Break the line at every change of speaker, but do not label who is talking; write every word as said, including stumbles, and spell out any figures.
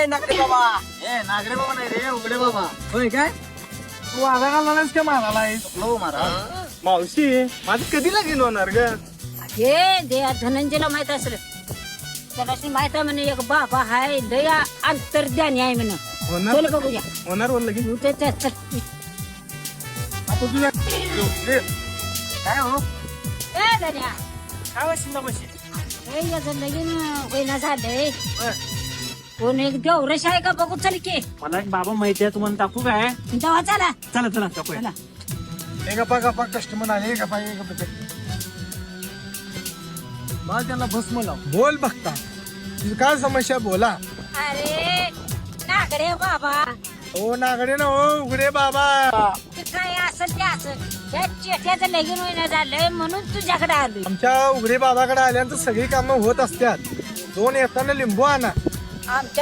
ए नागरे बाबा
ए नागरे बाबा नाही रे उघडे बाबा.
होय काय
तू आला घालणारच का मारायला
लो मारा.
मावशी माझं कधी लगीन होणार ग?
हे दे धनंजयला माहित असेल त्याला माहित आहे म्हणे एक बाबा हाय दया अंतर्ध्यानी आहे म्हणे.
होणार
चल बघूया
होणार वर लगीन.
तू ते- ते- ते-
आता तुझ्या
काय हो
ए धन्या
काय वाशिंदा म्हशी
हे याचं लगीन होईना झालंय कोण एक देवरश आहे का बघू चल की
मला एक बाबा माहिती आहे तुम्हाला टाकू काय
तेव्हा चला
चला चला टाकूया
चला
हे गप्पा गप्पा कस्टमर आले गप्पा हे गप्पा.
मला त्यांना भस्म लाव
बोल बघता तुझी काय समस्या बोला.
अरे नागडे बाबा
ओ नागडे ना हो उघडे बाबा.
ते काय असेल ते असेल या चेट्याचं लगीन होईना झालंय म्हणून तुझ्याकडे आलोय
आमच्या उघडे बाबाकडे आल्यानंतर सगळी कामं होत असतात. दोन येताना लिंबू आणा.
आमच्या